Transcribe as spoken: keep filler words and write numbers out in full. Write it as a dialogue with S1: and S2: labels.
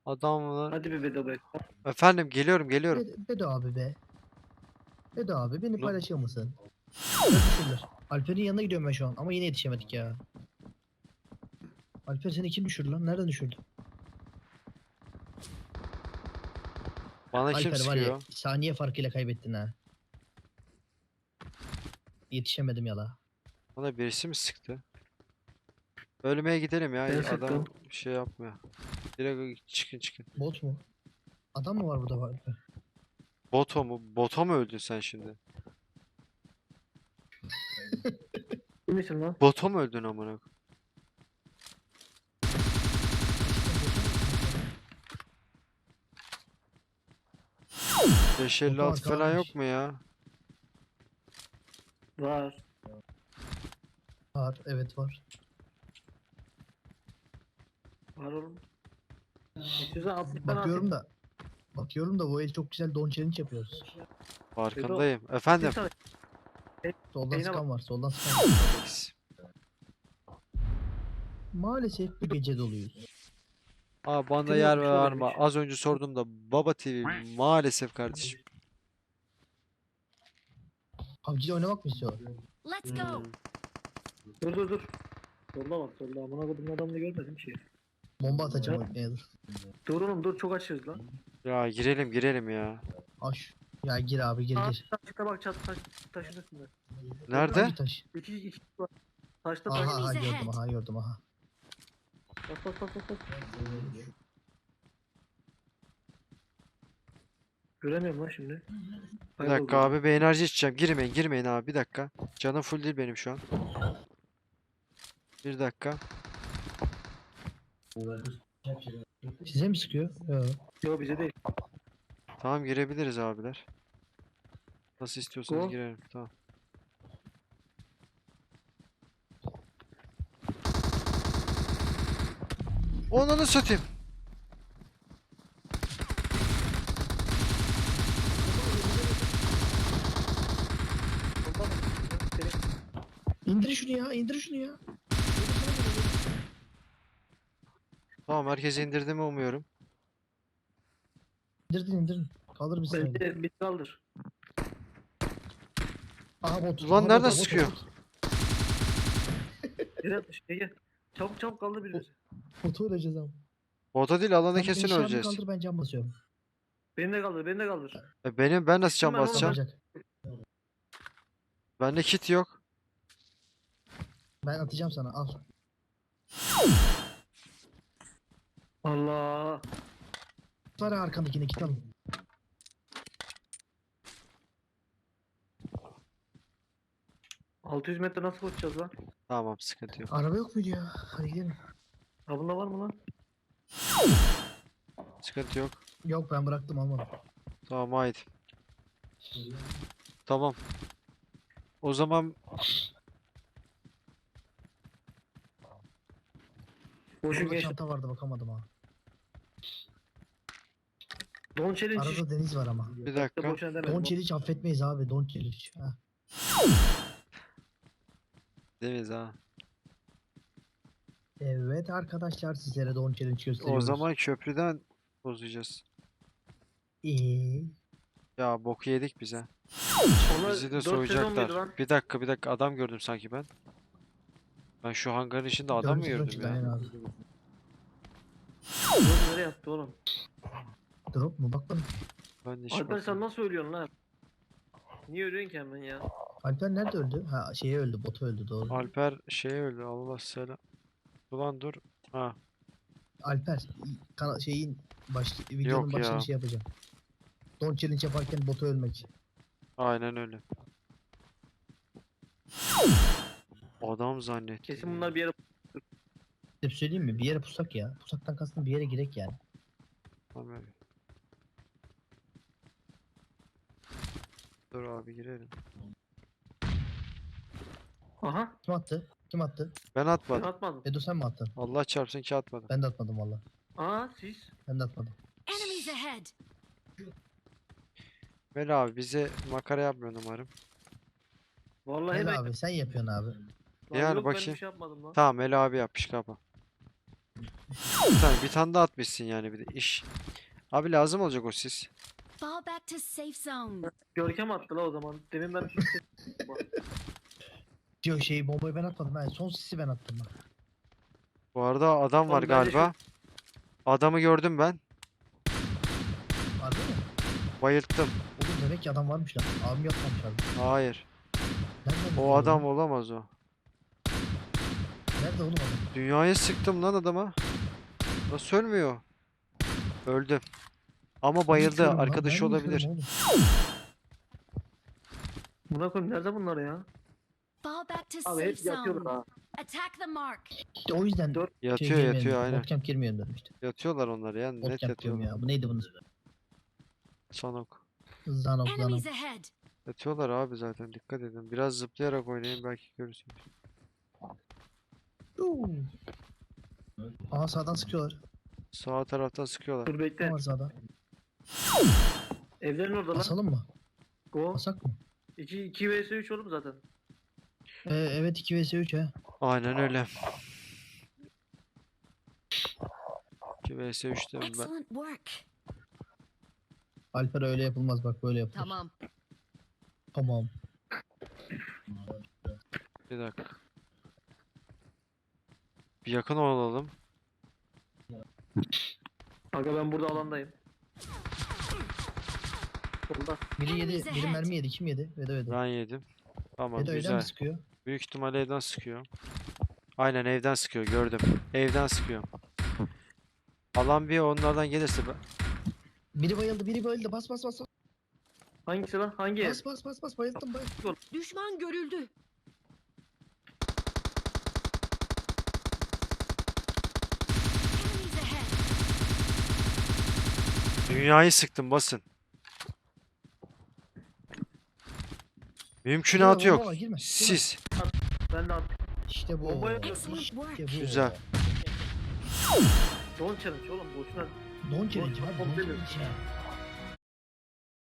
S1: Adamlar.
S2: Hadi bir Bedo be.
S1: Efendim geliyorum geliyorum.
S3: Be- Bedo abi be. Bedo abi beni
S1: Ne?
S3: paylaşır mısın? Düşürdüler. Alper'in yanına gidiyorum ben şu an ama yine yetişemedik ya. Alper seni kim düşürdü lan? Nereden düşürdü?
S1: Bana kim
S3: Alper var ya
S1: sıkıyor?
S3: saniye farkıyla kaybettin ha. Yetişemedim yala.
S1: Bana birisi mi sıktı? Ölmeye gidelim ya.
S2: Ben
S1: Adam
S2: sıktım.
S1: bir şey yapmıyor. Direkt çıkın çıkın.
S3: Bot mu? Adam mı var burada var Alper?
S1: Boto mu? Boto mu öldün sen şimdi?
S2: Kim misin lan?
S1: Boto mu öldün amına koyayım? beş elli altı
S3: Boto
S1: falan yok
S3: arkadaş.
S1: mu ya?
S2: Var.
S3: Var evet var.
S2: Var oğlum. İstiyorsan altmış tane
S3: Bakıyorum
S2: atayım.
S3: da. Bakıyorum da bu el çok güzel don challenge yapıyoruz.
S1: Farkındayım. Efendim.
S2: Bir tane.
S3: Soldan
S2: Yayına
S3: sıkan var soldan sıkan var.
S1: Alex.
S3: Maalesef bu gece doluyuz.
S1: Aa bana
S2: Kim
S1: yer
S2: yapmış o
S1: var mı?
S2: demiş.
S1: Az önce sordum da Baba T V maalesef kardeşim.
S3: P U B G'de oynamak mı istiyor?
S4: Let's go.
S1: Hmm.
S2: Dur dur dur. Solda bak solda. Amına koydum adamını görmedim şey.
S3: Bomba atacağım oynaya dur.
S2: Dur oğlum dur çok açıyoruz lan.
S1: Ya girelim girelim ya.
S3: Aş. Ya gir abi gir
S2: Aa,
S3: gir.
S2: taşta bak çat taş taşın üstünde.
S1: Nerede?
S3: Hangi taş?
S2: İki iki var. Taşta taş.
S3: Aha aha
S4: Enemies
S3: gördüm
S4: ahead.
S3: aha gördüm aha.
S2: Bas bas bas bas. bas. Göremiyorum lan şimdi.
S1: Bir dakika abi bir enerji içeceğim. Girmeyin girmeyin abi bir dakika. Canım full değil benim şu an. Bir dakika.
S3: Size mi sıkıyor? Yok.
S2: Yok bize değil.
S1: Tamam girebiliriz abiler. Nasıl istiyorsanız
S2: Go.
S1: girelim. Tamam. Onunu satayım.
S2: Solda bak. Seni-
S3: İndir şunu ya indir şunu ya.
S1: Tamam herkes indirdi mi umuyorum.
S3: İndirdin indirin. Kaldır bizi.
S2: Bir, bir, bir kaldır.
S3: Aha bot.
S1: Ulan
S3: aha,
S1: nereden
S3: bot, bot,
S1: sıkıyor?
S3: bot.
S2: Gel atmış. Gel gel. Çabuk çabuk kaldır birimizi.
S3: Botu öleceğiz ama.
S1: Bota değil alanda
S3: Sen
S1: kesin
S3: eşyamı
S1: öleceğiz.
S3: kaldır ben cam basıyorum.
S2: Beni de kaldır. Beni de kaldır.
S1: E benim ben nasıl
S2: Gittim
S1: can
S2: ben oğlum,
S1: basacağım?
S3: Kalacak.
S1: Bende kit yok.
S3: Ben atacağım sana al.
S2: Allah.
S3: Var ya arkandakine kit alın.
S2: altı yüz metre nasıl koşacağız lan?
S1: Tamam sıkıntı yok.
S3: Araba yok muydu ya? Hadi gidelim.
S2: Ha bunda var mı lan?
S1: Sıkıntı yok.
S3: Yok ben bıraktım almadım.
S1: Tamam haydi. Tamam. O zaman
S2: Boşun
S3: Burada
S2: geç.
S3: çanta vardı bakamadım ha.
S2: Don challenge
S3: Arada deniz var ama.
S1: bir
S2: işte
S1: dakika.
S2: boşuna demedim.
S3: Don challenge affetmeyiz abi. Don challenge. Ha.
S1: Deniz ha.
S3: Evet arkadaşlar sizlere don challenge
S1: O
S3: gösteriyoruz.
S1: zaman köprüden bozacağız.
S3: İyi.
S1: Ya boku yedik bize.
S2: Onlar
S1: Bizi de
S2: dört sezon muydu
S1: soyacaklar.
S2: lan?
S1: Bir dakika bir dakika adam gördüm sanki ben. Ben şu hangarın içinde adam mı
S3: Dördüncü sezon
S1: gördüm
S3: çıktı,
S1: ya?
S3: aynen abi.
S2: Dur nereye attı oğlum?
S3: Drop mu? Bak bana.
S1: Ben de hiç
S2: Alper sen
S1: bakmadım.
S2: nasıl ölüyorsun lan? Niye ölüyorsun ki hemen ya?
S3: Alper nerede öldü? Ha şeye öldü. Botu öldü doğru.
S1: Alper şey öldü Allah selam. Ulan dur. Ha
S3: Alper kana- şeyin baş, videonun
S1: Yok
S3: başında
S1: ya.
S3: şey yapacağım. Don challenge yaparken botu ölmek.
S1: aynen öyle. Adam zannettim.
S2: Kesin
S1: ya.
S2: bunlar bir yere...
S3: Hep söyleyeyim mi? Bir yere pusak ya. Pusaktan kastım bir yere girek yani.
S1: Tamam öyle. Dur abi girelim.
S2: Aha.
S3: Kim attı? Kim attı?
S1: Ben
S2: Ben
S1: atmadım.
S2: atmadım.
S3: Edo sen mi attın?
S1: Allah çarpsın ki atmadım.
S3: Ben de atmadım valla.
S2: Aa siz.
S3: Ben de atmadım.
S4: Enemies ahead.
S1: Veli abi bize makara yapmıyor umarım.
S2: Vallahi
S3: Gel
S2: ben...
S3: abi sen yapıyorsun abi.
S2: Lan
S1: Yani
S2: yok, ben
S1: bakayım.
S2: bir şey yapmadım lan.
S1: Tamam Eli abi yapmış kapa. Bir tane, bir tane daha atmışsın yani bir de iş. Abi lazım olacak o sis.
S4: Fall back to safe zone.
S2: Görkem attı la o zaman. Demin ben
S3: Diyor şey bombayı ben atmadım. Ben son sisi ben attım bak.
S1: Bu arada adam var
S2: Oğlum bence şu-
S1: galiba. Adamı gördüm ben.
S3: Harbi mi?
S1: Bayılttım.
S3: Oğlum demek ki adam varmış lan. Abim yapmamış abi.
S1: Hayır.
S3: Nereden
S1: O
S3: biliyor
S1: adam
S3: oğlum?
S1: olamaz o.
S3: Nerede oğlum adam?
S1: Dünyayı sıktım lan adama. Nasıl ölmüyor? Öldü. Ama bayıldı.
S3: Yıkıyorum lan,
S1: Arkadaşı
S3: ben mi
S1: olabilir.
S3: yıkıyorum oğlum?
S2: buna koyayım nerede bunlar ya?
S4: Fall back to
S2: Abi
S4: safe
S2: hep yatıyorlar
S4: zone.
S2: ha.
S4: Attack the mark.
S3: İşte o yüzden
S2: Dört-
S3: şey
S1: Yatıyor
S3: girmeyelim
S1: yatıyor
S3: dedim.
S1: aynen.
S3: Bootcamp girmeyelim dedim işte.
S1: Yatıyorlar onlar ya. Net
S3: Bootcamp diyorum
S1: yatıyorlar.
S3: ya. Bu neydi bunun?
S1: Sanok.
S3: Zanok zanok.
S4: Enemies ahead.
S1: Yatıyorlar abi zaten. Dikkat edin. Biraz zıplayarak oynayın belki görürsünüz.
S3: Uuu. Aa sağdan sıkıyorlar.
S1: Sağ taraftan sıkıyorlar.
S2: Dur bekle.
S3: Ne var sağda?
S2: Evlerin orada lan.
S3: Basalım mı?
S2: Go.
S3: Basak mı?
S2: iki iki vs üç oğlum zaten.
S3: Ee, evet iki vs üç he.
S1: Aynen öyle. iki vs üç diyorum ben.
S4: Excellent work.
S3: Alper öyle yapılmaz bak böyle yapılır.
S4: Tamam.
S3: Tamam.
S1: Bir dakika. Bir yakın olalım.
S2: Aga ben burada alandayım. Solda.
S3: Biri yedi,
S4: Enemies
S3: biri
S4: ahead.
S3: mermi yedi. Kim yedi? Vedo Vedo.
S1: Ben yedim. Tamam
S3: Vedo öyle mi
S1: güzel.
S3: sıkıyor?
S1: Büyük ihtimalle evden sıkıyor. Aynen evden sıkıyor gördüm. Evden sıkıyor. Alan bir onlardan gelirse ben...
S3: Biri bayıldı, biri bayıldı. Bas bas bas. Bas
S2: Hangisi lan? Hangi ev?
S3: bas bas bas, bas. Bayıldım bayıldım.
S4: Düşman görüldü. Enemies ahead.
S1: Dünyayı sıktım basın. Mümkünatı
S3: Bomba
S1: yok.
S3: var, girme, girme.
S1: Sis.
S2: Ben de attım.
S3: İşte bu.
S2: Bombaya-
S4: Excellent work.
S3: İşte bu.
S1: Güzel.
S2: Don challenge oğlum boşuna.
S3: Don challenge abi. Don
S2: Don-
S3: challenge ya.